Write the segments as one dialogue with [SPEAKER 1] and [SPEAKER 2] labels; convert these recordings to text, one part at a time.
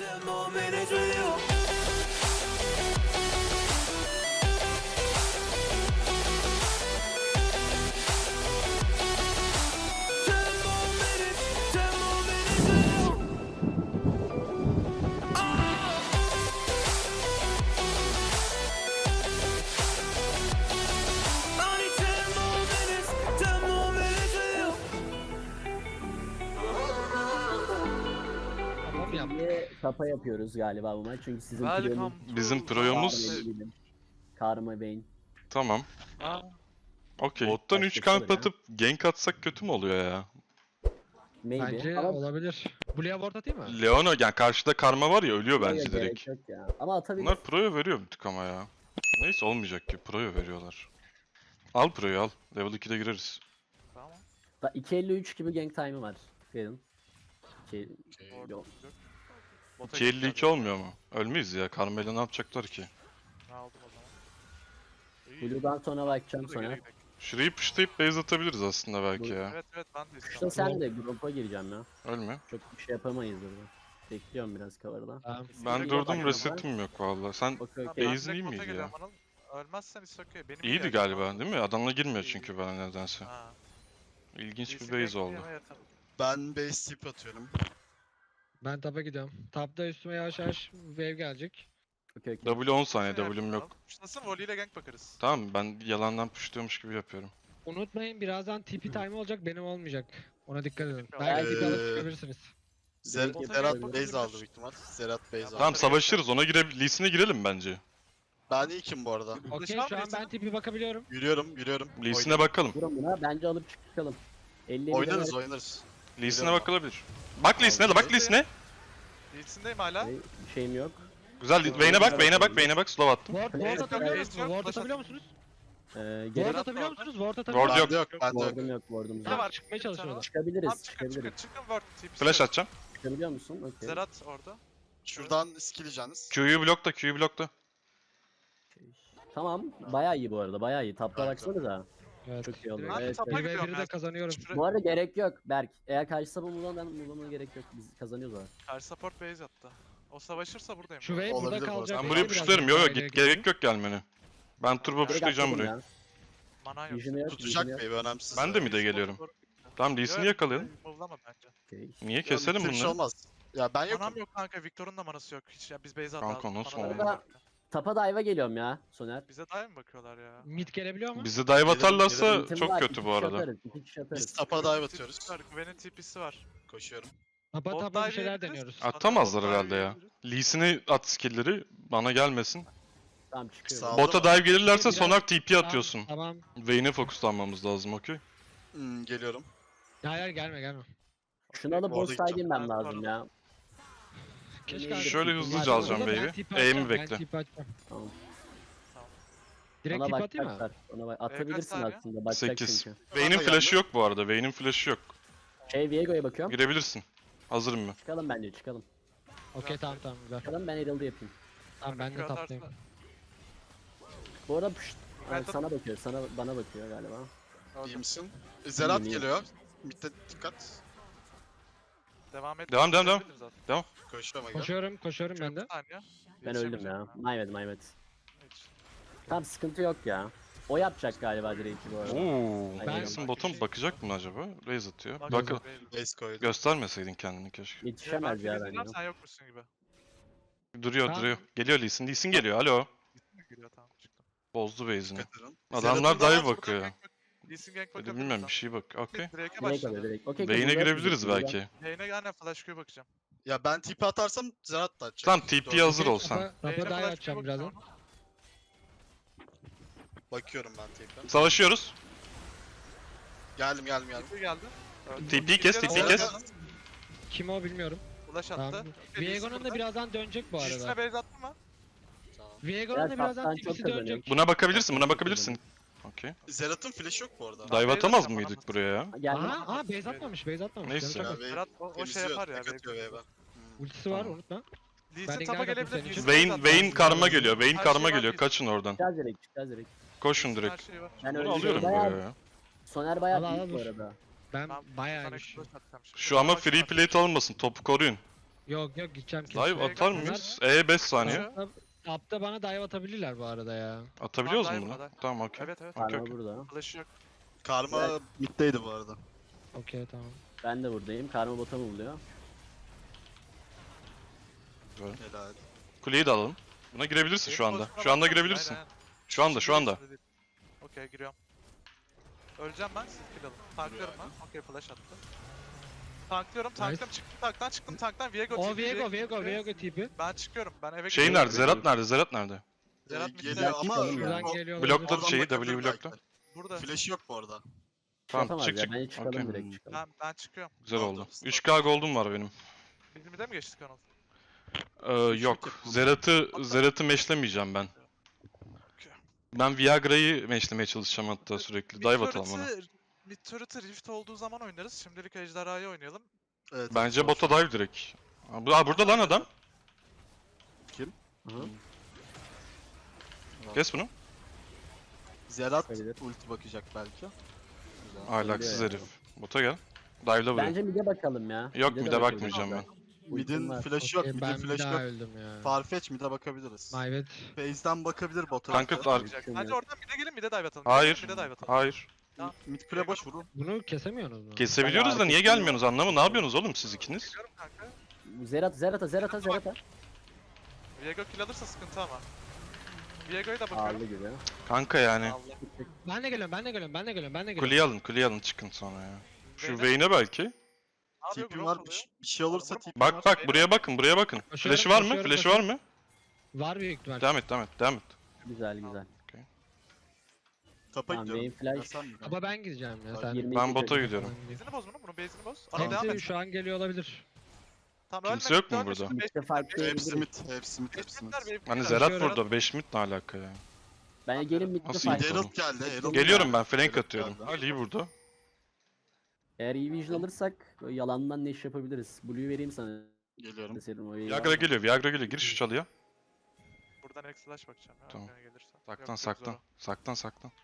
[SPEAKER 1] Tamam yaptık.
[SPEAKER 2] Niye tapa yapıyoruz galiba bu maç? Çünkü sizin
[SPEAKER 3] Welcome
[SPEAKER 2] piyonunuz
[SPEAKER 4] Bizim proyomuz
[SPEAKER 2] Karma Vayne.
[SPEAKER 4] tamam.
[SPEAKER 3] Aa,
[SPEAKER 4] Okey. Bottan 3
[SPEAKER 2] Başkası
[SPEAKER 4] kamp
[SPEAKER 2] ya.
[SPEAKER 4] atıp gank atsak kötü mü oluyor ya?
[SPEAKER 2] Maybe.
[SPEAKER 1] Bence
[SPEAKER 2] Ama
[SPEAKER 1] olabilir. Blue'ya ward atayım mı?
[SPEAKER 4] Leona yani karşıda karma var ya ölüyor
[SPEAKER 2] buraya
[SPEAKER 4] bence
[SPEAKER 2] gerek
[SPEAKER 4] direkt.
[SPEAKER 2] yok ya. Ama atabilir.
[SPEAKER 4] Bunlar pro'ya veriyor bir tık ama ya. Neyse olmayacak ki pro'ya veriyorlar. Al pro'yu al. Level 2'de gireriz.
[SPEAKER 3] tamam.
[SPEAKER 2] 2.53 gibi gank time'ı var. Verin.
[SPEAKER 3] Orada
[SPEAKER 2] Yok.
[SPEAKER 3] yok. Bota
[SPEAKER 4] 2.52
[SPEAKER 3] gittiler.
[SPEAKER 4] olmuyor mu? Ölmeyiz ya. Karmayla ne yapacaklar ki?
[SPEAKER 3] Ne aldım o zaman? İyi.
[SPEAKER 2] Blue'dan sonra bakacağım
[SPEAKER 3] Burada geri
[SPEAKER 2] sonra.
[SPEAKER 3] gidelim.
[SPEAKER 4] Şurayı pushlayıp base atabiliriz aslında belki
[SPEAKER 2] Bu-
[SPEAKER 4] ya.
[SPEAKER 3] Evet ben de
[SPEAKER 2] İşte
[SPEAKER 3] istiyorum.
[SPEAKER 2] sen de grupa gireceğim ya.
[SPEAKER 4] Ölme.
[SPEAKER 2] Çok bir şey yapamayız burada. Bekliyorum biraz cover'dan.
[SPEAKER 1] Tamam.
[SPEAKER 4] Ben
[SPEAKER 2] Yine
[SPEAKER 4] durdum
[SPEAKER 2] bakıyorum
[SPEAKER 4] resetim yok vallahi. Sen
[SPEAKER 2] Okey
[SPEAKER 3] Tamam,
[SPEAKER 2] okey.
[SPEAKER 3] ben
[SPEAKER 4] Base'in
[SPEAKER 3] direkt
[SPEAKER 4] iyi
[SPEAKER 3] bota
[SPEAKER 4] miydi
[SPEAKER 3] geliyorum,
[SPEAKER 4] ya?
[SPEAKER 3] Anıl. Ölmezsen is okay. Benim
[SPEAKER 4] iyiydi
[SPEAKER 3] ihtiyacım
[SPEAKER 4] galiba
[SPEAKER 3] var.
[SPEAKER 4] değil mi? Adamla girmiyor çünkü bana nedense.
[SPEAKER 3] Ha.
[SPEAKER 4] İlginç bir
[SPEAKER 3] Lee'si
[SPEAKER 4] base oldu.
[SPEAKER 3] bekleyeme yatar.
[SPEAKER 5] Ben base tip atıyorum.
[SPEAKER 1] Ben tapa gidiyorum. Tapta üstüme yavaş yavaş wave gelecek.
[SPEAKER 2] Okey okey.
[SPEAKER 4] W 10 saniye
[SPEAKER 3] Şey
[SPEAKER 4] W'm yok.
[SPEAKER 3] yapalım. Nasıl volley ile gank bakarız.
[SPEAKER 4] Tamam ben yalandan pushluyormuş gibi yapıyorum.
[SPEAKER 1] Unutmayın birazdan TP time olacak benim olmayacak. Ona dikkat edin.
[SPEAKER 3] Tamam.
[SPEAKER 1] Belki TP alıp
[SPEAKER 5] Ee,
[SPEAKER 1] çıkabilirsiniz.
[SPEAKER 5] Zerat
[SPEAKER 3] yapalım.
[SPEAKER 5] base aldı büyük ihtimal. Zerat base aldı.
[SPEAKER 4] Tamam savaşırız ona Lee'sine girelim bence.
[SPEAKER 5] Ben ilkim bu arada.
[SPEAKER 1] Okey
[SPEAKER 3] var
[SPEAKER 1] şu
[SPEAKER 3] mı
[SPEAKER 1] an ben
[SPEAKER 3] Lee'sine?
[SPEAKER 1] TP bakabiliyorum.
[SPEAKER 5] Yürüyorum.
[SPEAKER 4] Lee'sine bakalım.
[SPEAKER 2] Vurun buna. Bence alıp çıkalım. 50
[SPEAKER 5] Oynarız.
[SPEAKER 4] Lee'sine bakılabilir. Bak Lee'sine de bak Lee'sine.
[SPEAKER 3] Lee'sindeyim hala.
[SPEAKER 2] Bir şeyim yok.
[SPEAKER 4] Güzel Vayne'e bak Vayne'e bak slow attım.
[SPEAKER 1] Ward
[SPEAKER 2] Flash
[SPEAKER 1] atabiliyor
[SPEAKER 3] yok,
[SPEAKER 1] musunuz?
[SPEAKER 3] yok,
[SPEAKER 1] Ward
[SPEAKER 3] flash
[SPEAKER 1] atabiliyor
[SPEAKER 3] atın.
[SPEAKER 1] musunuz?
[SPEAKER 2] Gerek
[SPEAKER 1] Ward
[SPEAKER 3] Zerat
[SPEAKER 1] atabiliyor
[SPEAKER 3] var.
[SPEAKER 1] musunuz? Ward
[SPEAKER 4] Ward
[SPEAKER 1] atabiliyor
[SPEAKER 4] yok.
[SPEAKER 1] musunuz?
[SPEAKER 5] Bende yok.
[SPEAKER 2] Ward'um yok ward'um
[SPEAKER 3] Bir de
[SPEAKER 2] yok.
[SPEAKER 3] var.
[SPEAKER 1] Çıkmaya çalışıyorlar.
[SPEAKER 2] Çıkabiliriz
[SPEAKER 3] Tamam çıkın
[SPEAKER 2] çıkabiliriz.
[SPEAKER 3] word. TP'si
[SPEAKER 4] Flash
[SPEAKER 3] yok.
[SPEAKER 4] atacağım.
[SPEAKER 2] Çıkabiliyor musun? Okey.
[SPEAKER 3] Zerat orada.
[SPEAKER 5] Şuradan skilleyeceğiniz.
[SPEAKER 4] Q'yu blokta.
[SPEAKER 2] Tamam. Bayağı iyi bu arada. Bayağı iyi. Tapta
[SPEAKER 5] Bence.
[SPEAKER 2] baksanıza.
[SPEAKER 1] Evet.
[SPEAKER 2] Çok iyi oldu.
[SPEAKER 3] Ben
[SPEAKER 2] Evet.
[SPEAKER 3] tapa
[SPEAKER 1] Bir
[SPEAKER 3] gidiyorum
[SPEAKER 1] ve 1'i de
[SPEAKER 3] ya.
[SPEAKER 1] kazanıyorum.
[SPEAKER 3] Şuraya-
[SPEAKER 2] Bu arada gerek yok Berk. Eğer karşısa bu Mulan'a gerek yok. Biz kazanıyoruz abi.
[SPEAKER 3] Karşı support base attı. O savaşırsa buradayım.
[SPEAKER 1] Şu wave
[SPEAKER 5] Olabilir
[SPEAKER 1] burada
[SPEAKER 5] bu
[SPEAKER 1] kalacak.
[SPEAKER 5] arada.
[SPEAKER 4] Ben burayı
[SPEAKER 1] Biraz
[SPEAKER 4] pushlarım. Yo
[SPEAKER 1] daha
[SPEAKER 4] yo git gerek yok gelmene. Ben turbo
[SPEAKER 3] Direkt
[SPEAKER 4] pushlayacağım
[SPEAKER 2] atladım
[SPEAKER 4] burayı.
[SPEAKER 2] ya.
[SPEAKER 3] Mana yok.
[SPEAKER 2] Vision'ı yok.
[SPEAKER 5] Tutacak
[SPEAKER 2] Vision'ı yok.
[SPEAKER 5] baby önemsiz.
[SPEAKER 4] Ben de mi de geliyorum? Tamam Lee'sini yakalayalım.
[SPEAKER 3] Move'lama bence.
[SPEAKER 2] Okey.
[SPEAKER 4] Niye keselim
[SPEAKER 5] Bir şey
[SPEAKER 4] bunları?
[SPEAKER 5] olmaz. Ya ben
[SPEAKER 3] Manam
[SPEAKER 5] yokum.
[SPEAKER 3] yok kanka. Victor'un da manası yok. Hiç ya biz base
[SPEAKER 4] Kanka,
[SPEAKER 3] atalım.
[SPEAKER 4] nasıl
[SPEAKER 3] Mana da
[SPEAKER 4] oldu?
[SPEAKER 3] base attı.
[SPEAKER 2] Tapa dive'a geliyorum ya Soner.
[SPEAKER 3] Bize dive mi bakıyorlar ya?
[SPEAKER 1] Mid gelebiliyor mu?
[SPEAKER 4] Bizi dive atarlarsa
[SPEAKER 2] Ultim
[SPEAKER 4] çok
[SPEAKER 2] var,
[SPEAKER 4] kötü
[SPEAKER 2] iki
[SPEAKER 4] bu
[SPEAKER 2] kişi
[SPEAKER 4] arada.
[SPEAKER 2] atarız, iki kişi atarız.
[SPEAKER 5] Biz tapa dive atıyoruz.
[SPEAKER 3] TP'si var. Güven'in TP'si var.
[SPEAKER 5] Koşuyorum.
[SPEAKER 1] Tapa
[SPEAKER 3] Bot
[SPEAKER 1] tapa bir
[SPEAKER 3] dive
[SPEAKER 1] şeyler
[SPEAKER 3] yiyebiliriz.
[SPEAKER 1] deniyoruz.
[SPEAKER 4] Atamazlar
[SPEAKER 3] Bot dive
[SPEAKER 4] herhalde ya.
[SPEAKER 3] yiyebiliriz.
[SPEAKER 4] Lee'sine at skill'leri bana gelmesin.
[SPEAKER 2] Tamam çıkıyor.
[SPEAKER 5] Sağ ol.
[SPEAKER 4] Bota dive gelirlerse
[SPEAKER 1] Biraz-
[SPEAKER 4] sonar TP atıyorsun.
[SPEAKER 1] Tamam.
[SPEAKER 4] Vayne'e fokuslanmamız lazım okey.
[SPEAKER 5] Geliyorum.
[SPEAKER 1] Hayır gelme.
[SPEAKER 2] Şunu alıp
[SPEAKER 5] Orada
[SPEAKER 2] boss side
[SPEAKER 5] gideceğim.
[SPEAKER 2] inmem lazım ya.
[SPEAKER 1] Keşke
[SPEAKER 4] Şöyle
[SPEAKER 2] TP
[SPEAKER 4] hızlıca
[SPEAKER 2] var.
[SPEAKER 4] alacağım
[SPEAKER 1] Orada ben
[SPEAKER 4] baby.
[SPEAKER 1] TP
[SPEAKER 4] Aim'i
[SPEAKER 1] atacağım,
[SPEAKER 4] bekle.
[SPEAKER 1] Ben TP atacağım.
[SPEAKER 2] Tamam.
[SPEAKER 1] Direkt
[SPEAKER 2] Ona
[SPEAKER 1] TP atayım mı?
[SPEAKER 2] bakacaklar. Ona bak. Atabilirsin
[SPEAKER 3] saniye?
[SPEAKER 2] aslında. Bakacak
[SPEAKER 4] 8.
[SPEAKER 2] çünkü.
[SPEAKER 4] Vayne'in
[SPEAKER 5] Bana
[SPEAKER 4] flash'ı
[SPEAKER 5] geldi.
[SPEAKER 4] yok bu arada. Vayne'in flash'ı yok.
[SPEAKER 2] Viego'ya bakıyorum.
[SPEAKER 4] Girebilirsin. Hazırım ben.
[SPEAKER 2] Çıkalım bence çıkalım.
[SPEAKER 1] Okey tamam güzel.
[SPEAKER 2] Çıkalım ben Herald'ı yapayım.
[SPEAKER 1] Tamam ben de
[SPEAKER 3] Atarsa-
[SPEAKER 1] taptayım.
[SPEAKER 2] Bu arada pşt.
[SPEAKER 3] Ben
[SPEAKER 2] Ay,
[SPEAKER 3] de-
[SPEAKER 2] sana bakıyor. Bana bakıyor galiba.
[SPEAKER 5] İyi misin? Zerat
[SPEAKER 2] İyiyim,
[SPEAKER 5] geliyor. Mid'de dikkat.
[SPEAKER 3] Devam et.
[SPEAKER 4] Devam.
[SPEAKER 3] Edebiliriz aslında.
[SPEAKER 5] Koşuyorum aga.
[SPEAKER 1] Koşuyorum ben de.
[SPEAKER 3] Bir saniye.
[SPEAKER 2] Ben öldüm ya. Maymet.
[SPEAKER 3] Hiç.
[SPEAKER 2] Tamam sıkıntı yok ya. O yapacak galiba direkt bu arada.
[SPEAKER 4] Oo.
[SPEAKER 2] Ben-
[SPEAKER 4] Jason bottom bakacak mı acaba? Raise atıyor.
[SPEAKER 3] Bak-
[SPEAKER 4] Bakın.
[SPEAKER 5] Base koydum.
[SPEAKER 4] Göstermeseydin kendini keşke.
[SPEAKER 2] Yetişemez ya bence.
[SPEAKER 3] Sen yokmuşsun gibi.
[SPEAKER 4] Duruyor
[SPEAKER 1] Tamam.
[SPEAKER 4] duruyor. Geliyor Lee Sin geliyor. Alo.
[SPEAKER 3] Geliyor tamam çıktım.
[SPEAKER 4] Bozdu base'ini.
[SPEAKER 5] Dikkat edin.
[SPEAKER 4] Adamlar
[SPEAKER 5] Zerat'ın
[SPEAKER 4] dive bakıyor.
[SPEAKER 3] Lee Sin gank
[SPEAKER 4] Hadi
[SPEAKER 3] bakabiliriz.
[SPEAKER 4] bilmem bir şey bak. Okey.
[SPEAKER 3] Drake'e
[SPEAKER 2] Direkt
[SPEAKER 3] başladı.
[SPEAKER 2] alıyor direkt. Okey.
[SPEAKER 4] Vayne'e
[SPEAKER 2] burada
[SPEAKER 4] girebiliriz
[SPEAKER 2] burada.
[SPEAKER 4] belki.
[SPEAKER 3] Lane'e aynen flash Q bakacağım.
[SPEAKER 5] Ya ben TP atarsam Zerat da atacak.
[SPEAKER 4] Tamam TP hazır
[SPEAKER 5] Doğru.
[SPEAKER 4] ol sen.
[SPEAKER 1] Tapa
[SPEAKER 3] Lane'e
[SPEAKER 1] dive
[SPEAKER 3] flash Q
[SPEAKER 1] atacağım
[SPEAKER 3] bakacağım
[SPEAKER 1] birazdan.
[SPEAKER 3] ama.
[SPEAKER 5] Bakıyorum ben TP'den.
[SPEAKER 4] Savaşıyoruz.
[SPEAKER 5] Geldim.
[SPEAKER 3] TP geldi.
[SPEAKER 4] TP kes, TP kes.
[SPEAKER 1] Kim o bilmiyorum.
[SPEAKER 3] Flash attı.
[SPEAKER 1] Tamam.
[SPEAKER 3] Okey, Lee Sin
[SPEAKER 1] Viego'nun da
[SPEAKER 3] burada.
[SPEAKER 1] birazdan dönecek bu
[SPEAKER 3] Lee'sine
[SPEAKER 1] arada.
[SPEAKER 3] base attı mı?
[SPEAKER 5] Tamam.
[SPEAKER 1] Viego'nun
[SPEAKER 2] Ya
[SPEAKER 1] da birazdan
[SPEAKER 2] taptan çok
[SPEAKER 1] TP'si
[SPEAKER 2] kazanıyor.
[SPEAKER 1] dönecek.
[SPEAKER 4] Buna bakabilirsin. Okey.
[SPEAKER 5] Zerat'ın flash yok bu arada.
[SPEAKER 4] Dive
[SPEAKER 3] base
[SPEAKER 4] atamaz
[SPEAKER 3] atacağım,
[SPEAKER 4] mıydık
[SPEAKER 3] atamaz.
[SPEAKER 4] buraya ya?
[SPEAKER 2] Geldi.
[SPEAKER 1] Aha base atmamış.
[SPEAKER 4] Neyse.
[SPEAKER 1] Yanlış
[SPEAKER 5] Ya,
[SPEAKER 1] yapma.
[SPEAKER 5] wave
[SPEAKER 3] Zerat o şey
[SPEAKER 5] temizliyor,
[SPEAKER 3] yapar ya.
[SPEAKER 5] tek atıyor wave'e.
[SPEAKER 1] Ultisi var
[SPEAKER 4] Tamam.
[SPEAKER 1] unutma.
[SPEAKER 3] Lee
[SPEAKER 1] Ben
[SPEAKER 3] Sin
[SPEAKER 1] de
[SPEAKER 3] tapa
[SPEAKER 1] geldim
[SPEAKER 3] gelebilir.
[SPEAKER 1] senin
[SPEAKER 3] Lee
[SPEAKER 1] için.
[SPEAKER 3] Sin
[SPEAKER 4] Vayne,
[SPEAKER 3] zaten-
[SPEAKER 4] Vayne karma geliyor. Vayne
[SPEAKER 3] Her
[SPEAKER 4] karma
[SPEAKER 3] şey var,
[SPEAKER 4] geliyor.
[SPEAKER 3] Lee
[SPEAKER 4] Kaçın oradan.
[SPEAKER 2] Çıkacağız direkt.
[SPEAKER 4] Koşun
[SPEAKER 3] Sin
[SPEAKER 4] direkt.
[SPEAKER 3] her şeyi var.
[SPEAKER 2] Ben
[SPEAKER 4] Bunu
[SPEAKER 2] öyle
[SPEAKER 4] alıyorum
[SPEAKER 2] bayağı-
[SPEAKER 4] buraya ya.
[SPEAKER 2] Soner bayağı
[SPEAKER 1] Al, al,
[SPEAKER 2] büyük bu
[SPEAKER 1] dur.
[SPEAKER 2] arada.
[SPEAKER 1] Ben
[SPEAKER 3] Tamam,
[SPEAKER 1] bayağı
[SPEAKER 3] sana
[SPEAKER 1] güçlü.
[SPEAKER 3] flash atacağım şimdi.
[SPEAKER 4] Şu ama
[SPEAKER 3] Yavaş
[SPEAKER 4] free
[SPEAKER 3] yavaş.
[SPEAKER 4] plate almasın. Topu koruyun.
[SPEAKER 1] Yok yok gideceğim kesin.
[SPEAKER 4] Dive atar mıyız? 5 saniye.
[SPEAKER 1] Tapta, tapta bana dive atabilirler bu arada ya.
[SPEAKER 4] Atabiliyoruz
[SPEAKER 3] Tamam,
[SPEAKER 4] mu
[SPEAKER 3] dive
[SPEAKER 4] bunu?
[SPEAKER 3] burada.
[SPEAKER 4] Tamam okey.
[SPEAKER 3] Evet evet.
[SPEAKER 4] Okey,
[SPEAKER 2] Karma
[SPEAKER 4] okey.
[SPEAKER 2] burada.
[SPEAKER 3] Flash'ı yok.
[SPEAKER 5] Karma middeydi bu arada.
[SPEAKER 1] Okey tamam.
[SPEAKER 2] Ben de buradayım. Karma bota mı buluyor?
[SPEAKER 5] Helal.
[SPEAKER 4] Kuleyi de alalım. Buna girebilirsin şu anda. Şu anda girebilirsin.
[SPEAKER 3] Aynen.
[SPEAKER 4] Şu anda, şu anda.
[SPEAKER 3] Okey giriyorum. Öleceğim ben, siz kill alın. Tanklıyorum ben. Okey flash attı. Tanklıyorum, tanklıyorum. Çıktım tanktan, çıktım tanktan. Viego
[SPEAKER 1] O
[SPEAKER 3] TP,
[SPEAKER 1] Viego tipi.
[SPEAKER 3] Ben çıkıyorum, ben eve
[SPEAKER 4] Şey
[SPEAKER 3] gidiyorum.
[SPEAKER 4] nerede? Zerat nerede? Zerat nerede?
[SPEAKER 3] Zerat midde.
[SPEAKER 5] Geliyor ama
[SPEAKER 2] Şuradan
[SPEAKER 1] Şuradan
[SPEAKER 5] o-
[SPEAKER 1] geliyor.
[SPEAKER 4] Blokladı
[SPEAKER 5] oradan
[SPEAKER 4] şeyi,
[SPEAKER 5] bakabilir
[SPEAKER 4] W blokla.
[SPEAKER 5] belki.
[SPEAKER 3] Burada.
[SPEAKER 5] Flash yok bu arada.
[SPEAKER 4] Tamam,
[SPEAKER 2] Yapamaz
[SPEAKER 4] çık,
[SPEAKER 2] ya.
[SPEAKER 4] çık.
[SPEAKER 2] Bence çıkalım
[SPEAKER 4] Okey.
[SPEAKER 2] direkt çıkalım.
[SPEAKER 3] Ben çıkıyorum.
[SPEAKER 4] Güzel
[SPEAKER 5] Tamam,
[SPEAKER 4] oldu.
[SPEAKER 5] tamam.
[SPEAKER 4] 3K gold'um var benim.
[SPEAKER 3] Bizim de mi geçtik Anıl?
[SPEAKER 4] Yok. Zerat'ı meşlemeyeceğim ben.
[SPEAKER 3] Okey.
[SPEAKER 4] Ben Viagra'yı meşlemeye çalışacağım hatta sürekli. Dive atalım ona.
[SPEAKER 3] Mid turret'ı rift olduğu zaman oynarız. Şimdilik ejderhayı oynayalım.
[SPEAKER 5] Evet,
[SPEAKER 4] Bence
[SPEAKER 5] zor
[SPEAKER 4] bota
[SPEAKER 5] şu an.
[SPEAKER 4] dive direkt. Burada lan adam.
[SPEAKER 2] Hı.
[SPEAKER 4] Kes bunu.
[SPEAKER 5] Zerat
[SPEAKER 2] Çıkabilir.
[SPEAKER 5] ulti bakacak belki. Güzel.
[SPEAKER 4] Ahlaksız
[SPEAKER 2] Oluyor
[SPEAKER 4] herif. Bota gel. Dive'la buraya.
[SPEAKER 2] Bence mid'e bakalım ya.
[SPEAKER 4] Yok
[SPEAKER 2] de
[SPEAKER 4] mid'e
[SPEAKER 2] bakalım.
[SPEAKER 4] bakmayacağım ben.
[SPEAKER 5] Mid'in
[SPEAKER 2] Ultim var.
[SPEAKER 5] flash yok,
[SPEAKER 1] Okey,
[SPEAKER 5] mid'in
[SPEAKER 1] ben bir
[SPEAKER 5] flash
[SPEAKER 1] daha
[SPEAKER 5] yok.
[SPEAKER 1] öldüm ya.
[SPEAKER 5] Farfetch mid'e bakabiliriz.
[SPEAKER 1] Mayvet.
[SPEAKER 5] Phase'den bakabilir bota.
[SPEAKER 4] Kanka,
[SPEAKER 5] Bence
[SPEAKER 4] ar-
[SPEAKER 3] Bence oradan mid'e gelin, mid'e dive atalım.
[SPEAKER 4] Hayır.
[SPEAKER 3] Mid'e dive atalım.
[SPEAKER 4] Hayır.
[SPEAKER 5] mid kule boş vurun.
[SPEAKER 1] Bunu kesemiyorsunuz mu?
[SPEAKER 4] Kesebiliyoruz da niye gelmiyorsunuz anlamı? Ne yapıyorsunuz oğlum siz ikiniz?
[SPEAKER 3] Çıkıyorum kanka.
[SPEAKER 2] Zerata.
[SPEAKER 3] Viego kill alırsa sıkıntı ama. Viego'yu da bakıyorum.
[SPEAKER 2] Ağırlı gibi.
[SPEAKER 4] Kanka yani.
[SPEAKER 3] Allah.
[SPEAKER 1] Ben de geliyorum.
[SPEAKER 4] Kuleyi alın çıkın sonra ya. Şu
[SPEAKER 3] Vayne'e-
[SPEAKER 4] Vayne'e belki.
[SPEAKER 3] Ne yapıyor?
[SPEAKER 5] TP'm
[SPEAKER 3] Growth
[SPEAKER 5] var.
[SPEAKER 3] oluyor.
[SPEAKER 5] Bir şey olursa TP'm
[SPEAKER 4] Bak
[SPEAKER 5] var.
[SPEAKER 4] bak buraya bakın
[SPEAKER 1] Koşuyorum,
[SPEAKER 4] Flash'ı var mı?
[SPEAKER 1] koşuyorum,
[SPEAKER 4] Flash'ı var mı?
[SPEAKER 1] Var büyük ihtimal.
[SPEAKER 4] Devam et.
[SPEAKER 2] Güzel.
[SPEAKER 5] Tapa
[SPEAKER 2] Tamam,
[SPEAKER 5] gidiyorum.
[SPEAKER 2] benim flash-
[SPEAKER 5] Ya sen mi?
[SPEAKER 1] Ama ben gideceğim ya sen.
[SPEAKER 2] 22
[SPEAKER 4] Ben bota
[SPEAKER 2] dakika.
[SPEAKER 4] gidiyorum.
[SPEAKER 3] Base'ini boz bunun base'ini boz. Anıl devam
[SPEAKER 1] Hepsi
[SPEAKER 3] et.
[SPEAKER 1] şu an geliyor olabilir.
[SPEAKER 3] Tamam,
[SPEAKER 4] Kimse yok mu burada?
[SPEAKER 2] Mid'de fight
[SPEAKER 5] Hepsi mid, hepsi mid, hepsi mid.
[SPEAKER 4] Hani Zerat burada 5 mid ne alaka ya?
[SPEAKER 2] Ben gelin mid'de
[SPEAKER 4] Nasıl
[SPEAKER 2] fight.
[SPEAKER 4] gidiyor?
[SPEAKER 5] Herald geldi, Herald
[SPEAKER 4] Geliyorum
[SPEAKER 5] geldi.
[SPEAKER 4] ben flank
[SPEAKER 5] Herald
[SPEAKER 4] atıyorum.
[SPEAKER 5] geldi.
[SPEAKER 4] Ali burada.
[SPEAKER 2] Eğer iyi vision alırsak böyle yalandan ne iş yapabiliriz. Blue'yu vereyim sana.
[SPEAKER 5] Geliyorum.
[SPEAKER 2] Deserim o iyi
[SPEAKER 4] Viagra
[SPEAKER 2] var.
[SPEAKER 4] geliyor. Gir şu çalıya.
[SPEAKER 3] Buradan X flash bakacağım ya.
[SPEAKER 4] Tamam.
[SPEAKER 3] Tamam. Gelirse.
[SPEAKER 4] Saklan.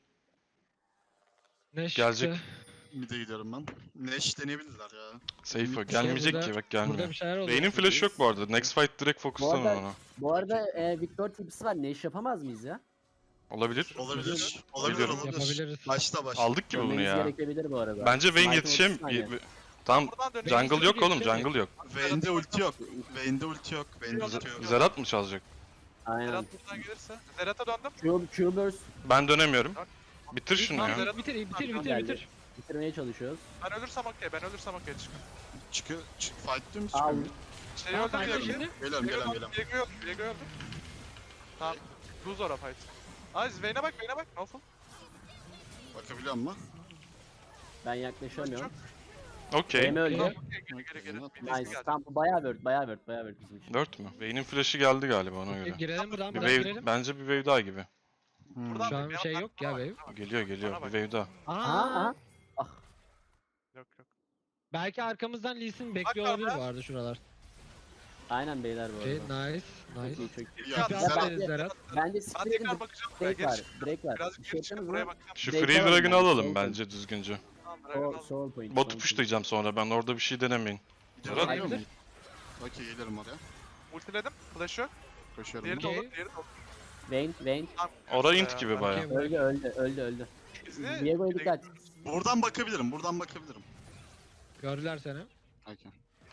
[SPEAKER 1] Neş
[SPEAKER 4] Gelecek.
[SPEAKER 1] çıktı.
[SPEAKER 5] Mid'e gidiyorum ben. Neş deneyebilirler ya.
[SPEAKER 4] Safe o. Gelmeyecek
[SPEAKER 1] burada-
[SPEAKER 4] ki bak
[SPEAKER 1] Burada
[SPEAKER 4] gelmiyor.
[SPEAKER 1] bir şeyler oluyor.
[SPEAKER 4] Vayne'in flash'ı yok bu arada. Next fight direkt fokuslanın
[SPEAKER 2] arada-
[SPEAKER 4] ona.
[SPEAKER 2] Bu arada Victor tipsi var. Ne iş yapamaz mıyız ya?
[SPEAKER 4] Olabilir.
[SPEAKER 5] Olabilir.
[SPEAKER 4] Biliyorum.
[SPEAKER 1] Yapabiliriz.
[SPEAKER 5] Başta.
[SPEAKER 4] Aldık gibi bunu
[SPEAKER 2] Görmeniz
[SPEAKER 4] ya.
[SPEAKER 2] gerekebilir bu arada.
[SPEAKER 4] Bence Vayne
[SPEAKER 2] Smite'ın
[SPEAKER 4] yetişem...
[SPEAKER 2] 30 saniye.
[SPEAKER 4] Tamam.
[SPEAKER 3] Buradan dönüyor.
[SPEAKER 4] Jungle yok oğlum.
[SPEAKER 1] yetişemeyecek.
[SPEAKER 4] Jungle yok.
[SPEAKER 5] Vayne'de ulti yok. Vayne'de ulti yok. Vayne'de ulti yok.
[SPEAKER 4] Zerat mı çalacak?
[SPEAKER 2] Aynen.
[SPEAKER 3] Zerat buradan gelirse. Zerat'a döndüm.
[SPEAKER 2] Q-burst
[SPEAKER 4] Ben dönemiyorum. Bitir şunu
[SPEAKER 3] Tamam,
[SPEAKER 4] ya.
[SPEAKER 3] Zerat-
[SPEAKER 1] Bitir.
[SPEAKER 2] bitirmeye çalışıyoruz.
[SPEAKER 3] Ben ölürsem okey. Çıkın.
[SPEAKER 5] Çıkıyor. Fight diyor musun?
[SPEAKER 2] Al.
[SPEAKER 5] Çıkıyor.
[SPEAKER 3] Şeyi öldüm
[SPEAKER 1] Tamam,
[SPEAKER 3] Viego'yu.
[SPEAKER 1] şimdi.
[SPEAKER 5] Geliyorum.
[SPEAKER 3] Viego öldü. Tamam. Lose ora fight. Aziz Vayne'e bak. No full.
[SPEAKER 5] Bakabiliyor musun?
[SPEAKER 2] Ben yaklaşamıyorum.
[SPEAKER 4] Okey.
[SPEAKER 2] Benim öldü.
[SPEAKER 3] Tamam, okey, geri.
[SPEAKER 2] Nice. Tamam bu bayağı word bizim için.
[SPEAKER 4] 4 mü? Vayne'in flash'ı geldi galiba ona göre.
[SPEAKER 1] Girelim buradan
[SPEAKER 4] Bir
[SPEAKER 1] buradan
[SPEAKER 4] wave,
[SPEAKER 1] girelim.
[SPEAKER 4] bence bir wave daha gibi.
[SPEAKER 3] Buradan
[SPEAKER 1] Şu an
[SPEAKER 3] bir
[SPEAKER 1] şey
[SPEAKER 3] yandan
[SPEAKER 1] yok ya
[SPEAKER 3] bana bak,
[SPEAKER 1] wave.
[SPEAKER 4] Geliyor.
[SPEAKER 3] Bana
[SPEAKER 4] Bir
[SPEAKER 3] bak.
[SPEAKER 4] wave daha.
[SPEAKER 2] Aha.
[SPEAKER 3] Yok.
[SPEAKER 1] Belki arkamızdan Lee Sin bekliyor
[SPEAKER 3] Bak
[SPEAKER 1] olabilir
[SPEAKER 3] abi.
[SPEAKER 1] bu arada şuralar.
[SPEAKER 2] Aynen beyler bu
[SPEAKER 1] Okey
[SPEAKER 2] arada.
[SPEAKER 1] nice.
[SPEAKER 2] Çok iyi, çok iyi.
[SPEAKER 5] Ya,
[SPEAKER 1] Tipi
[SPEAKER 5] Zerat-
[SPEAKER 1] atarız Zerat.
[SPEAKER 2] Bence
[SPEAKER 3] Ben
[SPEAKER 2] siktir
[SPEAKER 3] tekrar
[SPEAKER 2] edin.
[SPEAKER 3] bakacağım buraya.
[SPEAKER 2] Break var.
[SPEAKER 3] Geri
[SPEAKER 2] Break var.
[SPEAKER 3] Birazcık
[SPEAKER 2] Bir şey
[SPEAKER 3] geri çıkın
[SPEAKER 2] yapsanız
[SPEAKER 3] buraya
[SPEAKER 2] mı?
[SPEAKER 3] bakacağım.
[SPEAKER 4] Şu
[SPEAKER 2] Direkt
[SPEAKER 4] Free
[SPEAKER 2] alalım
[SPEAKER 4] Dragon'ı
[SPEAKER 2] bence,
[SPEAKER 4] alalım
[SPEAKER 2] soul
[SPEAKER 4] bence düzgünce.
[SPEAKER 3] Tamam, Dragon al.
[SPEAKER 2] Soul point.
[SPEAKER 4] Botu
[SPEAKER 2] soul
[SPEAKER 4] pushlayacağım sonra ben orada bir şey denemeyin.
[SPEAKER 5] Gidiyorum.
[SPEAKER 2] Hayır.
[SPEAKER 5] Geliyor musun? Okey gelirim oraya.
[SPEAKER 3] Ultiledim. Flash yok.
[SPEAKER 5] Koşuyorum.
[SPEAKER 3] Diğeri
[SPEAKER 1] Okey.
[SPEAKER 3] dolu. Diğeri dolu.
[SPEAKER 2] point. Vayne.
[SPEAKER 3] Tamam.
[SPEAKER 4] Ora
[SPEAKER 3] Ya,
[SPEAKER 4] int gibi
[SPEAKER 3] ben-
[SPEAKER 4] baya.
[SPEAKER 1] Okey.
[SPEAKER 2] Öldü.
[SPEAKER 3] Bizi-
[SPEAKER 2] Diego'ya dikkat.
[SPEAKER 5] Buradan bakabilirim.
[SPEAKER 1] Gördüler seni.
[SPEAKER 5] Okey.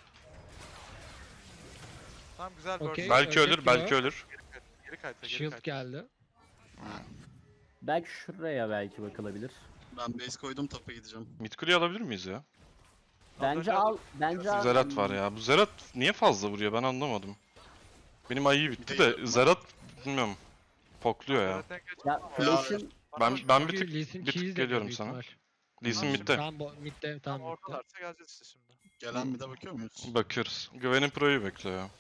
[SPEAKER 3] Tamam güzel
[SPEAKER 1] Okey.
[SPEAKER 3] bird.
[SPEAKER 4] Belki
[SPEAKER 1] Ölecek
[SPEAKER 4] ölür, belki
[SPEAKER 1] gibi.
[SPEAKER 4] ölür.
[SPEAKER 3] Geri kayıtla.
[SPEAKER 1] Shield geldi.
[SPEAKER 2] Belki şuraya belki bakılabilir.
[SPEAKER 5] Ben base koydum tapa gideceğim.
[SPEAKER 4] Mid kuleyi alabilir miyiz ya?
[SPEAKER 2] Bence al. Bence al.
[SPEAKER 4] Zerat var ya. Bu Zerat niye fazla vuruyor ben anlamadım. Benim ayı bitti de Zerat bilmiyorum. Pokluyor ya.
[SPEAKER 2] Ya flash'ın
[SPEAKER 4] Ben bir tık
[SPEAKER 1] Lee Sin
[SPEAKER 4] bir tık
[SPEAKER 1] cheese
[SPEAKER 4] geliyorum
[SPEAKER 1] yapıyor büyük
[SPEAKER 4] sana.
[SPEAKER 1] ihtimal.
[SPEAKER 4] Lee Sin
[SPEAKER 3] Tamam,
[SPEAKER 4] midde.
[SPEAKER 1] Tam midde
[SPEAKER 3] Tam
[SPEAKER 1] tam midde.
[SPEAKER 3] ortalarsa geleceğiz işte şimdi.
[SPEAKER 5] Gelen mid'e bakıyor muyuz?
[SPEAKER 4] Bakıyoruz. Gwen'in pro'yu bekliyor ya.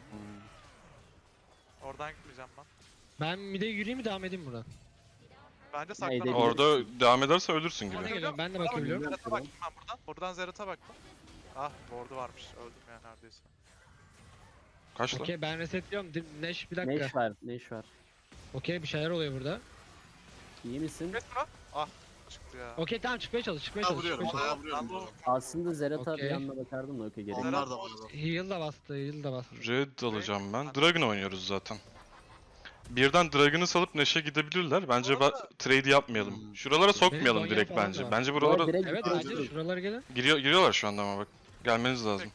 [SPEAKER 3] Oradan gitmeyeceğim ben.
[SPEAKER 1] Ben mid'e yürüyeyim mi devam edeyim buradan?
[SPEAKER 3] Bence
[SPEAKER 2] Neydi?
[SPEAKER 3] saklanalım.
[SPEAKER 4] Orada devam ederse ölürsün
[SPEAKER 1] Bana
[SPEAKER 4] gibi.
[SPEAKER 1] geliyorum ben de bakabiliyorum.
[SPEAKER 3] Zerat'a baktım ben buradan. Buradan Zerat'a baktım. Ah ward'u varmış. Öldüm ya neredeyse.
[SPEAKER 4] Kaç lan?
[SPEAKER 1] Okey ben resetliyorum. Neş bir dakika.
[SPEAKER 2] ne iş var?
[SPEAKER 1] Okey bir şeyler oluyor burada.
[SPEAKER 2] İyi misin?
[SPEAKER 3] Evet buna. Ah. çıktı ya.
[SPEAKER 1] Okey tamam çıkmaya çalış çıkmaya
[SPEAKER 5] Bayağı
[SPEAKER 1] çalış.
[SPEAKER 5] vuruyorum.
[SPEAKER 1] Çıkmaya çalış.
[SPEAKER 5] Bayağı vuruyorum.
[SPEAKER 3] Ben
[SPEAKER 5] bu arada.
[SPEAKER 2] Aslında Zerat'a bir
[SPEAKER 1] Okey.
[SPEAKER 2] yanına bakardım da okey gerek. yok.
[SPEAKER 5] Onlar da var.
[SPEAKER 1] Heal da bastı heal da bastı.
[SPEAKER 4] Red alacağım ben. Dragon oynuyoruz zaten. Birden Dragon'ı salıp Neşe gidebilirler. Bence trade yapmayalım.
[SPEAKER 5] Hmm.
[SPEAKER 4] Şuralara
[SPEAKER 1] Zonya
[SPEAKER 4] sokmayalım
[SPEAKER 1] falan
[SPEAKER 4] direkt
[SPEAKER 1] da
[SPEAKER 4] bence.
[SPEAKER 1] var.
[SPEAKER 4] Bence
[SPEAKER 2] Bu
[SPEAKER 4] buralara
[SPEAKER 2] arada direkt
[SPEAKER 1] Evet
[SPEAKER 2] direkt-
[SPEAKER 1] bence de şuralara gelin.
[SPEAKER 4] giriyorlar şu anda ama bak. Gelmeniz lazım.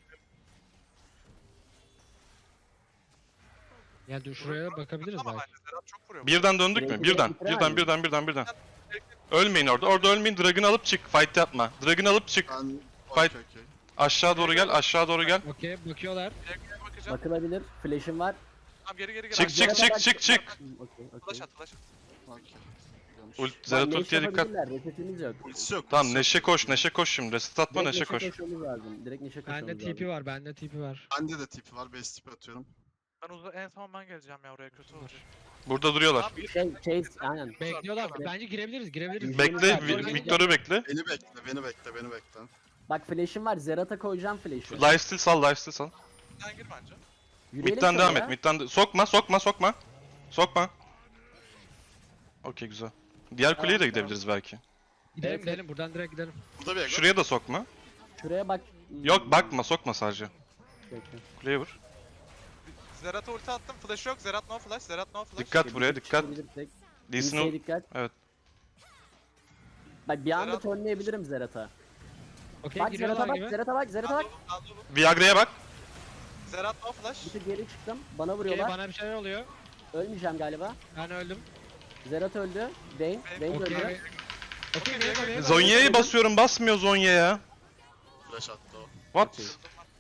[SPEAKER 1] Yani dur şuraya bakabiliriz
[SPEAKER 3] Ama
[SPEAKER 1] belki.
[SPEAKER 3] bence Zerat çok vuruyor.
[SPEAKER 4] Birden döndük mü?
[SPEAKER 2] Direkt
[SPEAKER 4] Birden.
[SPEAKER 2] bitiremez
[SPEAKER 4] Birden. Ölmeyin orada. Orada ölmeyin. Dragon'ı alıp çık. Fight yapma. Dragon'ı alıp çık.
[SPEAKER 5] Ben...
[SPEAKER 4] Fight.
[SPEAKER 5] Okey.
[SPEAKER 4] Aşağı doğru gel. Aşağı doğru gel.
[SPEAKER 1] Okey bakıyorlar.
[SPEAKER 3] Geri bakacağım.
[SPEAKER 2] Bakılabilir. Flash'im var.
[SPEAKER 3] Tamam geri.
[SPEAKER 4] Çık, çık,
[SPEAKER 2] Zerat'a
[SPEAKER 4] çık,
[SPEAKER 2] bak-
[SPEAKER 4] çık.
[SPEAKER 2] Okey okey.
[SPEAKER 3] Flash at.
[SPEAKER 5] Okey.
[SPEAKER 4] Zerat
[SPEAKER 2] Lan
[SPEAKER 4] ultiye
[SPEAKER 2] Neşe
[SPEAKER 4] dikkat.
[SPEAKER 2] yapabilirler, resetimiz yok.
[SPEAKER 5] Ultisi yok.
[SPEAKER 4] Tamam
[SPEAKER 5] ultisi yok.
[SPEAKER 4] Neşe koş şimdi. Reset atma
[SPEAKER 2] Direkt
[SPEAKER 4] Neşe koş.
[SPEAKER 2] koşmamız lazım. Direkt Neşe koşmamız
[SPEAKER 1] Bende
[SPEAKER 2] lazım.
[SPEAKER 1] TP var bende TP var.
[SPEAKER 5] Bende de tipi var. Base tipi atıyorum.
[SPEAKER 3] En son ben geleceğim ya oraya kötü olacak.
[SPEAKER 4] Burada duruyorlar.
[SPEAKER 3] Tamam, bir-
[SPEAKER 2] Chase aynen.
[SPEAKER 1] Bekliyorlar. Bence girebiliriz.
[SPEAKER 4] Bekle.
[SPEAKER 1] Doğru
[SPEAKER 4] Victor'u bekle.
[SPEAKER 5] Beni bekle.
[SPEAKER 2] Bak flash'im var. Zerat'a koyacağım flash'ı.
[SPEAKER 4] Lifesteal sal.
[SPEAKER 3] Sen gir bence.
[SPEAKER 2] Yürüyelim
[SPEAKER 4] Mid'den devam
[SPEAKER 2] şöyle
[SPEAKER 4] et.
[SPEAKER 2] ya.
[SPEAKER 4] Mid'den sokma. Okey güzel. Diğer kuleye de
[SPEAKER 2] Tamam,
[SPEAKER 4] gidebiliriz belki.
[SPEAKER 1] Gidelim
[SPEAKER 2] Evet,
[SPEAKER 1] gidelim buradan direkt gidelim.
[SPEAKER 5] Burada bir ego.
[SPEAKER 4] Şuraya da sokma.
[SPEAKER 2] Şuraya bak.
[SPEAKER 4] Yok bakma sokma sadece.
[SPEAKER 2] Bekle.
[SPEAKER 4] Kuleye vur.
[SPEAKER 3] Zerat'a ulti attım. Flash yok. Zerat no flash.
[SPEAKER 4] Dikkat buraya dikkat.
[SPEAKER 2] Çıkabilirsek.
[SPEAKER 4] Lee Sin
[SPEAKER 2] Kimseye dikkat.
[SPEAKER 4] Evet.
[SPEAKER 2] Bak bir anda
[SPEAKER 3] Zerat-
[SPEAKER 2] turnlayabilirim Zerat'a.
[SPEAKER 1] Okey
[SPEAKER 2] Bak
[SPEAKER 1] giriyorlar
[SPEAKER 2] Zerat'a bak,
[SPEAKER 1] gibi.
[SPEAKER 2] Zerat'a bak.
[SPEAKER 4] Viagra'ya bak.
[SPEAKER 3] Zerat no flash.
[SPEAKER 2] Bir tık geri çıktım. Bana
[SPEAKER 1] Okey
[SPEAKER 2] vuruyorlar.
[SPEAKER 1] bana bir şeyler oluyor.
[SPEAKER 2] Ölmeyeceğim galiba.
[SPEAKER 1] Ben öldüm.
[SPEAKER 2] Zerat öldü. Vayne
[SPEAKER 1] Okey.
[SPEAKER 2] öldü.
[SPEAKER 1] Okey Vega.
[SPEAKER 4] Zonya'yı basıyorum basmıyor Zonya'ya.
[SPEAKER 5] Flash attı o.
[SPEAKER 4] What?
[SPEAKER 2] Okey.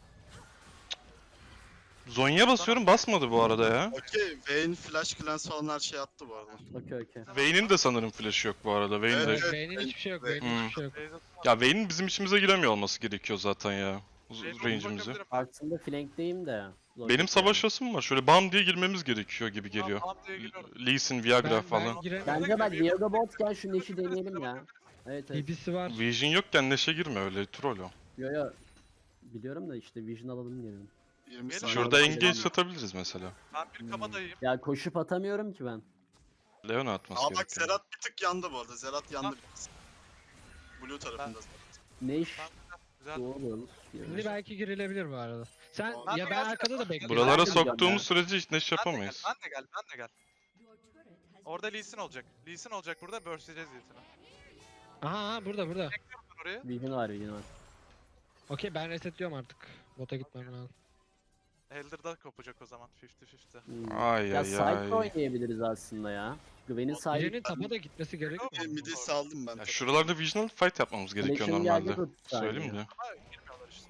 [SPEAKER 4] Zonya basıyorum basmadı bu arada ya.
[SPEAKER 5] Okey. Vayne flash cleanse falan her şey attı bu arada.
[SPEAKER 2] Okey.
[SPEAKER 4] Vayne'in de sanırım flash'ı yok bu arada. Vayne de...
[SPEAKER 5] Evet.
[SPEAKER 1] Vayne'in hiçbir şey yok.
[SPEAKER 5] Hmm.
[SPEAKER 1] Vayne'in hiçbir şey yok.
[SPEAKER 4] Ya Vayne'in bizim içimize giremiyor olması gerekiyor zaten ya. Range'imize.
[SPEAKER 2] Aslında flankteyim de. Zor
[SPEAKER 4] Benim
[SPEAKER 2] değil
[SPEAKER 4] savaşasım var. Şöyle bam diye girmemiz gerekiyor gibi geliyor. Lee Sin, Viagra falan.
[SPEAKER 2] yani. Bence bak Viagra botken şu Neş'i deneyelim ya. Evet evet.
[SPEAKER 1] TP'si var.
[SPEAKER 4] Vision yokken Neşe girme öyle troll o.
[SPEAKER 2] Yo. Biliyorum da işte Vision alalım diyorum.
[SPEAKER 5] 20
[SPEAKER 3] Gelin
[SPEAKER 5] saniye.
[SPEAKER 4] Şurada
[SPEAKER 2] Aynen.
[SPEAKER 4] engage satabiliriz mesela.
[SPEAKER 3] Ben bir kabadayım.
[SPEAKER 2] Ya koşup atamıyorum ki ben.
[SPEAKER 4] Leona atması
[SPEAKER 5] Aa bak
[SPEAKER 4] gerekiyor.
[SPEAKER 5] Zerat bir tık yandı bu arada. Zerat yandı biraz. Blue tarafında.
[SPEAKER 2] Neş
[SPEAKER 3] Güzel.
[SPEAKER 2] doğru.
[SPEAKER 1] Şimdi belki girilebilir bu arada. Sen
[SPEAKER 3] Ben
[SPEAKER 1] ya
[SPEAKER 3] de
[SPEAKER 1] ben
[SPEAKER 3] gelsene.
[SPEAKER 1] arkada da bekliyorum.
[SPEAKER 4] Buralara
[SPEAKER 2] Ben de gidiyorum
[SPEAKER 4] soktuğumuz
[SPEAKER 2] ya.
[SPEAKER 4] sürece hiç Neş yapamayız.
[SPEAKER 3] Ben de gel. Orada Lee Sin olacak. Lee Sin olacak burada. Burst'leyeceğiz Lee Sin'i.
[SPEAKER 1] Aha burada.
[SPEAKER 3] Ben oraya.
[SPEAKER 2] Vision var.
[SPEAKER 1] Okey ben resetliyorum artık. Bota gitmem lazım.
[SPEAKER 3] Elder'da kopacak o zaman 50-50.
[SPEAKER 4] Ay
[SPEAKER 2] Ya
[SPEAKER 4] ay
[SPEAKER 2] side
[SPEAKER 4] ay.
[SPEAKER 2] oynayabiliriz aslında ya. Gwen'in side
[SPEAKER 1] Birinin tapa da gitmesi gerekiyor.
[SPEAKER 5] Midi saldım ben.
[SPEAKER 4] Ya şuralarda Visional fight yapmamız gerekiyor
[SPEAKER 2] Flash'im
[SPEAKER 4] normalde.
[SPEAKER 2] geldi 30 saniye.
[SPEAKER 4] Söyleyeyim de.
[SPEAKER 3] Ama girmiyorlar işte.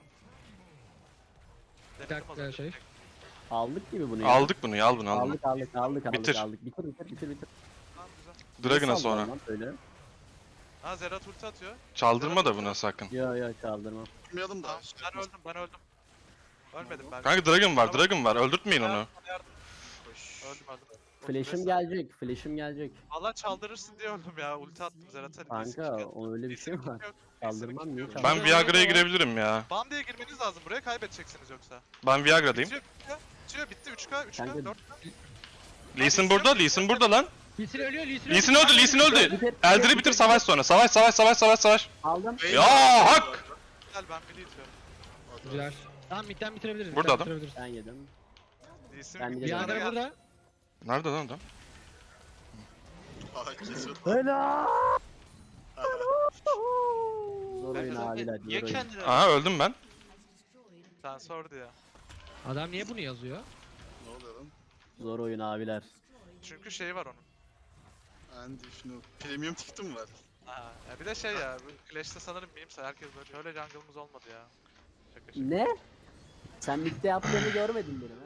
[SPEAKER 1] Bir dakika, şey.
[SPEAKER 2] Aldık gibi bunu ya.
[SPEAKER 4] Aldık bunu ya al bunu al bunu.
[SPEAKER 2] Aldık.
[SPEAKER 4] Bitir.
[SPEAKER 2] Bitir.
[SPEAKER 3] Tamam güzel.
[SPEAKER 4] Dragon'a
[SPEAKER 2] Nasıl
[SPEAKER 4] sonra.
[SPEAKER 2] aldın lan Öyle.
[SPEAKER 3] Ha Zerat ulti atıyor.
[SPEAKER 4] Çaldırma da buna sakın.
[SPEAKER 2] Yo çaldırmam.
[SPEAKER 5] Bilmiyordum da.
[SPEAKER 3] Tamam ben öldüm. Ölmedim ben.
[SPEAKER 4] Kanka Dragon var. Öldürtmeyin onu.
[SPEAKER 3] Öldüm.
[SPEAKER 2] Flash'im gelecek.
[SPEAKER 3] Valla çaldırırsın diye öldüm ya. Ulti attım Zerat'a.
[SPEAKER 2] Kanka o öyle bir şey mi var? Çaldırmam niye
[SPEAKER 4] Ben
[SPEAKER 2] çaldırmam?
[SPEAKER 4] Viagra'ya girebilirim ya.
[SPEAKER 3] Bam diye girmeniz lazım buraya kaybedeceksiniz yoksa.
[SPEAKER 4] Ben Viagra'dayım.
[SPEAKER 3] Bitiyor bitti 3K
[SPEAKER 2] Kanka-
[SPEAKER 3] 4K.
[SPEAKER 4] Lee Sin burada lan.
[SPEAKER 1] Lee Sin ölüyor.
[SPEAKER 4] Lee Sin öldü. Elder'i bitir savaş sonra. Savaş.
[SPEAKER 2] Aldım.
[SPEAKER 5] Vayne-
[SPEAKER 4] Ya hak!
[SPEAKER 3] Gel ben midi itiyorum.
[SPEAKER 1] Güzel. Tamam midden bitirebiliriz.
[SPEAKER 4] Burada
[SPEAKER 1] midden
[SPEAKER 4] adam.
[SPEAKER 1] bitirebiliriz.
[SPEAKER 2] Ben yedim.
[SPEAKER 3] İyisin.
[SPEAKER 2] Ben de
[SPEAKER 1] Bir
[SPEAKER 2] Yanına
[SPEAKER 1] adam burada.
[SPEAKER 4] Nerede lan adam?
[SPEAKER 5] Aa, kesiyor.
[SPEAKER 2] Helal. Zor oyun abiler.
[SPEAKER 6] Niye
[SPEAKER 2] Zor oyun.
[SPEAKER 6] kendini
[SPEAKER 4] Aha öldüm ben.
[SPEAKER 3] Sen sordu ya.
[SPEAKER 1] Adam niye bunu yazıyor?
[SPEAKER 5] Ne oluyor lan?
[SPEAKER 2] Zor oyun abiler.
[SPEAKER 3] Çünkü şey var onun.
[SPEAKER 5] Andy şunu. Premium ticket'ım var.
[SPEAKER 3] Ha, ya bir de şey ya, bu Clash'te sanırım miyimse herkes böyle şöyle jungle'ımız olmadı ya. Şaka şaka.
[SPEAKER 2] Ne? Sen midde yaptığını görmedin benim